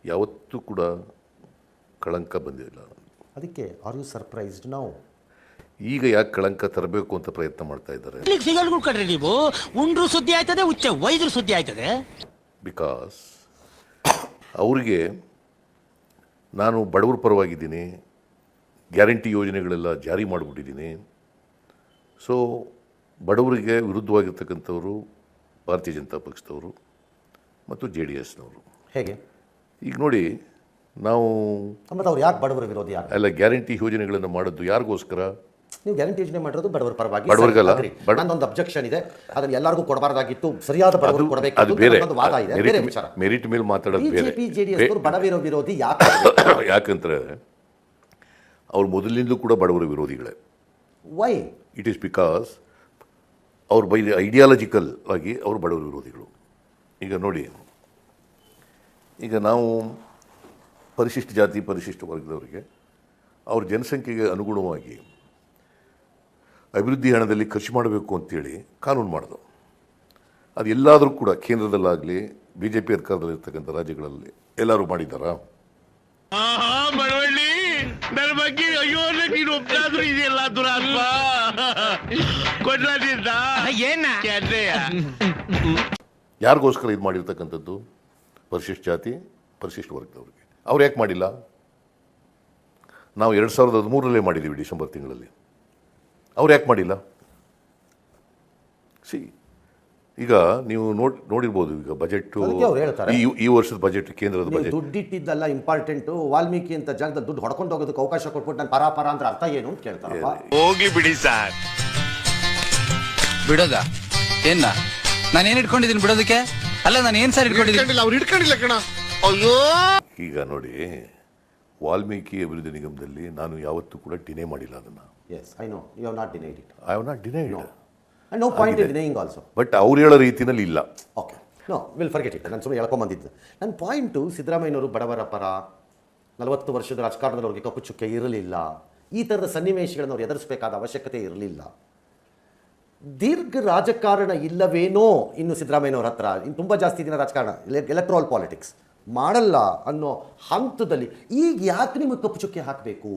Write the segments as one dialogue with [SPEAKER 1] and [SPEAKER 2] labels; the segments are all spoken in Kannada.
[SPEAKER 1] ಯಾವತ್ತೂ ಕೂಡ ಕಳಂಕ ಬಂದಿಲ್ಲ.
[SPEAKER 2] ಅದಕ್ಕೆ ಆರ್ ಯು ಸರ್ಪ್ರೈಸ್ಡ್ ನಾವು?
[SPEAKER 1] ಈಗ ಯಾಕೆ ಕಳಂಕ ತರಬೇಕು ಅಂತ ಪ್ರಯತ್ನ ಮಾಡ್ತಾ ಇದ್ದಾರೆ?
[SPEAKER 3] ಸಿಗಲ್ಗಳು ಕಡ್ರಿ ನೀವು ಉಂಡ್ರು ಸುದ್ದಿ ಆಯ್ತದೆ, ಉಚ್ಚ ವೈದ್ರು ಸುದ್ದಿ ಆಯ್ತದೆ.
[SPEAKER 1] ಬಿಕಾಸ್ ಅವ್ರಿಗೆ ನಾನು ಬಡವರ ಪರವಾಗಿದ್ದೀನಿ, ಗ್ಯಾರಂಟಿ ಯೋಜನೆಗಳೆಲ್ಲ ಜಾರಿ ಮಾಡಿಬಿಟ್ಟಿದ್ದೀನಿ. ಸೊ ಬಡವರಿಗೆ ವಿರುದ್ಧವಾಗಿರ್ತಕ್ಕಂಥವರು ಭಾರತೀಯ ಜನತಾ ಪಕ್ಷದವರು ಮತ್ತು JDSನವರು.
[SPEAKER 2] ಹೇಗೆ?
[SPEAKER 1] ಈಗ ನೋಡಿ, ನಾವು
[SPEAKER 2] ಮತ್ತು ಅವ್ರು ಯಾಕೆ ಬಡವರ ವಿರೋಧಿ? ಯಾಕೆ
[SPEAKER 1] ಎಲ್ಲ ಗ್ಯಾರಂಟಿ ಯೋಜನೆಗಳನ್ನು ಮಾಡಿದ್ದು ಯಾರಿಗೋಸ್ಕರ?
[SPEAKER 2] ನೀವು ಗ್ಯಾರಂಟಿ ಯೋಜನೆ ಮಾಡಿರೋದು ಬಡವರ ಪರವಾಗಿ.
[SPEAKER 1] ಬಡವರಿಗಲ್ಲ.
[SPEAKER 2] ನನ್ನೊಂದು ಅಬ್ಜೆಕ್ಷನ್ ಇದೆ, ಅದನ್ನು ಎಲ್ಲರಿಗೂ ಕೊಡಬಾರ್ದಾಗಿತ್ತು, ಸರಿಯಾದ ಬಡವರು ಕೊಡಬೇಕು.
[SPEAKER 1] ಅದು ಬೇರೆ
[SPEAKER 2] ವಾದ ಇದೆ, ಬೇರೆ ವಿಚಾರ.
[SPEAKER 1] ಮೆರಿಟ್ ಮೇಲೆ ಮಾತಾಡೋದು ಬೇರೆ.
[SPEAKER 2] JDS ಬಡವರ ವಿರೋಧಿ ಯಾಕೆ?
[SPEAKER 1] ಯಾಕಂದ್ರೆ ಅವ್ರು ಮೊದಲಿನಿಂದಲೂ ಕೂಡ ಬಡವರ ವಿರೋಧಿಗಳೇ.
[SPEAKER 2] ವೈ?
[SPEAKER 1] ಇಟ್ ಈಸ್ ಬಿಕಾಸ್ ಅವ್ರು ಬೈ ಐಡಿಯಾಲಜಿಕಲ್ ಆಗಿ ಅವರು ಬಡವರ ವಿರೋಧಿಗಳು. ಈಗ ನೋಡಿ, ಈಗ ನಾವು ಪರಿಶಿಷ್ಟ ಜಾತಿ ಪರಿಶಿಷ್ಟ ವರ್ಗದವರಿಗೆ ಅವ್ರ ಜನಸಂಖ್ಯೆಗೆ ಅನುಗುಣವಾಗಿ ಅಭಿವೃದ್ಧಿ ಹಣದಲ್ಲಿ ಖರ್ಚು ಮಾಡಬೇಕು ಅಂತೇಳಿ ಕಾನೂನು ಮಾಡಿದ್ರು. ಅದು ಎಲ್ಲಾದರೂ ಕೂಡ ಕೇಂದ್ರದಲ್ಲಾಗಲಿ BJP ಅಧಿಕಾರದಲ್ಲಿರ್ತಕ್ಕಂಥ ರಾಜ್ಯಗಳಲ್ಲಿ ಎಲ್ಲರೂ ಮಾಡಿದ್ದಾರಾ?
[SPEAKER 4] ನನ್ನ ಬಗ್ಗೆ ಅಯ್ಯೋ ನೀನು ಒಬ್ಬರಾದ್ರೂ ಇದೆಯಲ್ಲ ದುರಾತ್ಮ ಕೊಡ್ಲಿದ್ದ ಏನ
[SPEAKER 1] ಯಾರಿಗೋಸ್ಕರ ಇದು ಮಾಡಿರ್ತಕ್ಕಂಥದ್ದು? ಪರಿಶಿಷ್ಟ ಜಾತಿ ಪರಿಶಿಷ್ಟ ವರ್ಗದವ್ರಿಗೆ. ಅವ್ರು ಯಾಕೆ ಮಾಡಿಲ್ಲ? ನಾವು 2013 ಮಾಡಿದ್ದೀವಿ ಡಿಸೆಂಬರ್ ತಿಂಗಳಲ್ಲಿ. ಅವ್ರು ಯಾಕೆ ಮಾಡಿಲ್ಲ? ಈಗ ನೀವು ನೋಡಿರ್ಬೋದು, ಈಗ ಬಜೆಟ್ ಈ ವರ್ಷದ ಬಜೆಟ್, ಕೇಂದ್ರದ ಬಜೆಟ್
[SPEAKER 2] ದುಡ್ಡಿಟ್ಟಿದ್ದಲ್ಲ ಇಂಪಾರ್ಟೆಂಟು. ವಾಲ್ಮೀಕಿ ಅಂತ ಜಾಗದಲ್ಲಿ ದುಡ್ಡು ಹೊಡ್ಕೊಂಡು ಹೋಗೋದಕ್ಕೆ ಅವಕಾಶ ಕೊಟ್ಬಿಟ್ಟು ನಾನು ಪರ ಅಂದ್ರೆ ಅರ್ಥ ಏನು ಅಂತ ಕೇಳ್ತಾರೆ.
[SPEAKER 4] ಹೋಗಿ ಬಿಡಿ ಸರ್.
[SPEAKER 5] ಬಿಡೋದ ಏನ? ನಾನೇನು ಇಟ್ಕೊಂಡಿದ್ದೀನಿ ಬಿಡೋದಕ್ಕೆ? ಅಲ್ಲ, ನಾನು ಏನು ಸರ್ ಇಟ್ಕೊಂಡಿದ್ದೀನಿ?
[SPEAKER 4] ಅವ್ರು ಇಟ್ಕೊಂಡಿಲ್ಲ ಕಣ. ಅಯ್ಯೋ,
[SPEAKER 1] ಈಗ ನೋಡಿ, ವಾಲ್ಮೀಕಿ ಅಭಿವೃದ್ಧಿ ನಿಗಮದಲ್ಲಿ ನಾನು ಯಾವತ್ತೂ ಕೂಡ ಡಿನೇ ಮಾಡಿಲ್ಲ ಅದನ್ನು.
[SPEAKER 2] Yes, I know you have not denied it.
[SPEAKER 1] I have not denied.
[SPEAKER 2] No point in denying also.
[SPEAKER 1] But ಅವ್ರು ಹೇಳೋ ರೀತಿಯಲ್ಲಿ ಇಲ್ಲ.
[SPEAKER 2] Okay, no will forget it. ನಾನು ಸುಮ್ಮನೆ ಹೇಳ್ಕೊಂಬಂದಿದ್ದು. ನನ್ನ ಪಾಯಿಂಟು, ಸಿದ್ದರಾಮಯ್ಯನವರು ಬಡವರ ಪರ, 40 ವರ್ಷದ ರಾಜಕಾರಣದಲ್ಲಿ ಅವ್ರಿಗೆ ಕಪ್ಪು ಚುಕ್ಕೆ ಇರಲಿಲ್ಲ. ಈ ಥರದ ಸನ್ನಿವೇಶಗಳನ್ನು ಅವ್ರು ಎದುರಿಸಬೇಕಾದ ಅವಶ್ಯಕತೆ ಇರಲಿಲ್ಲ. ದೀರ್ಘ ರಾಜಕಾರಣ ಇಲ್ಲವೇನೋ ಇನ್ನು ಸಿದ್ದರಾಮಯ್ಯನವ್ರ ಹತ್ರ. ಇನ್ನು ತುಂಬ ಜಾಸ್ತಿ ದಿನ ರಾಜಕಾರಣ, ಎಲೆಕ್ಟ್ರಲ್ ಪಾಲಿಟಿಕ್ಸ್ ಮಾಡಲ್ಲ ಅನ್ನೋ ಹಂತದಲ್ಲಿ ಈಗ ಯಾಕೆ ನಿಮಗೆ ಕಪ್ಪು ಚುಕ್ಕೆ ಹಾಕಬೇಕು?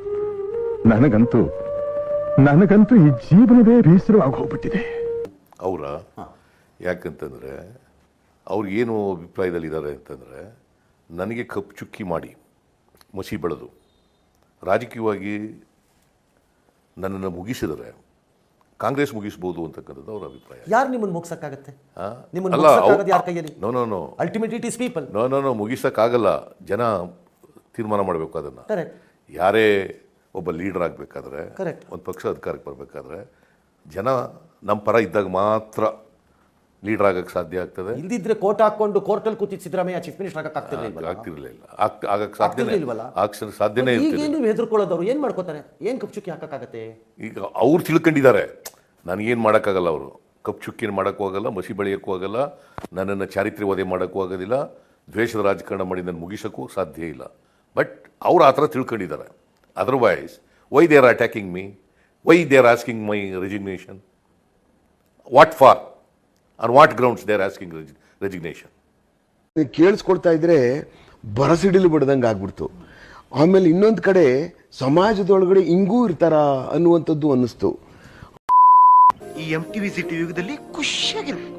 [SPEAKER 6] ನನಗಂತೂ ಈ ಜೀವನವೇ ಬೇಸರವಾಗಿ ಹೋಗ್ಬಿಟ್ಟಿದೆ.
[SPEAKER 1] ಅವರ ಯಾಕಂತಂದರೆ ಅವ್ರಿಗೇನು ಅಭಿಪ್ರಾಯದಲ್ಲಿದ್ದಾರೆ ಅಂತಂದರೆ, ನನಗೆ ಕಪ್ಪು ಚುಕ್ಕಿ ಮಾಡಿ ಮಸಿ ಬೆಳೆದು ರಾಜಕೀಯವಾಗಿ ನನ್ನನ್ನು ಮುಗಿಸಿದರೆ ಕಾಂಗ್ರೆಸ್ ಮುಗಿಸ್ಬೋದು ಅಂತಕ್ಕಂಥದ್ದು ಅವರ ಅಭಿಪ್ರಾಯ.
[SPEAKER 2] ಯಾರು ನಿಮ್ಮನ್ನು ಮುಗಿಸಕ್ಕಾಗತ್ತೆ?
[SPEAKER 1] No
[SPEAKER 2] ultimate it is people.
[SPEAKER 1] No ಮುಗಿಸೋಕ್ಕಾಗಲ್ಲ. ಜನ ತೀರ್ಮಾನ ಮಾಡಬೇಕು ಅದನ್ನು. ಯಾರೇ ಒಬ್ಬ ಲೀಡರ್ ಆಗಬೇಕಾದ್ರೆ, ಒಂದು ಪಕ್ಷ ಅಧಿಕಾರಕ್ಕೆ ಬರಬೇಕಾದ್ರೆ ಜನ ನಮ್ಮ ಪರ ಇದ್ದಾಗ ಮಾತ್ರ ಲೀಡರ್ ಆಗಕ್ಕೆ ಸಾಧ್ಯ ಆಗ್ತದೆ.
[SPEAKER 2] ಇಲ್ದಿದ್ರೆ ಕೋಟ್ ಹಾಕೊಂಡು ಕೋರ್ಟಲ್ಲಿ ಕೂತಿದ್ದ ಸಿದ್ದರಾಮಯ್ಯ ಚೀಫ್ ಮಿನಿಸ್ಟರ್
[SPEAKER 1] ಆಗ್ತಿರ್ಲಿಲ್ಲ. ಆಗಕ್ಕೆ ಸಾಧ್ಯನೇ
[SPEAKER 2] ಇರ್ತಿಲ್ಲ. ನೀವು ಹೆದರ್ಕೊಳ್ಳೋದವ್ರು ಏನು ಮಾಡ್ಕೋತಾರೆ? ಏನು ಕಪ್ಪು ಚುಕ್ಕಿ ಹಾಕಕ್ಕಾಗತ್ತೆ?
[SPEAKER 1] ಈಗ ಅವ್ರು ತಿಳ್ಕೊಂಡಿದ್ದಾರೆ, ನನಗೇನು ಮಾಡೋಕ್ಕಾಗಲ್ಲ. ಅವರು ಕಪ್ಪು ಚುಕ್ಕಿನ ಮಾಡೋಕ್ಕೂ ಆಗಲ್ಲ, ಮಸಿ ಬೆಳೆಯೋಕ್ಕೂ ಆಗಲ್ಲ, ನನ್ನನ್ನು ಚಾರಿತ್ರ್ಯ ವಧೆ ಮಾಡೋಕ್ಕೂ ಆಗೋದಿಲ್ಲ, ದ್ವೇಷದ ರಾಜಕಾರಣ ಮಾಡಿ ನನ್ನ ಮುಗಿಸೋಕ್ಕೂ ಸಾಧ್ಯ ಇಲ್ಲ. ಬಟ್ ಅವ್ರು ಆ ಥರ ತಿಳ್ಕೊಂಡಿದ್ದಾರೆ. Otherwise why they are attacking me? Why they are asking my resignation? What for? On what grounds they are asking resignation?
[SPEAKER 7] ಕೇಳಿಸ್ಕೊಳ್ತಾ ಇದ್ರೆ ಬರಸಿಡಿಲು ಬಿಡ್ದಂಗೆ ಆಗ್ಬಿಡ್ತು. ಆಮೇಲೆ ಇನ್ನೊಂದು ಕಡೆ ಸಮಾಜದೊಳಗಡೆ ಹಿಂಗೂ ಇರ್ತಾರ ಅನ್ನುವಂಥದ್ದು ಅನ್ನಿಸ್ತು.
[SPEAKER 4] ಈ MTV ಸಿಟಿ ಯುಗದಲ್ಲಿ ಖುಷಿಯಾಗಿರುತ್ತೆ.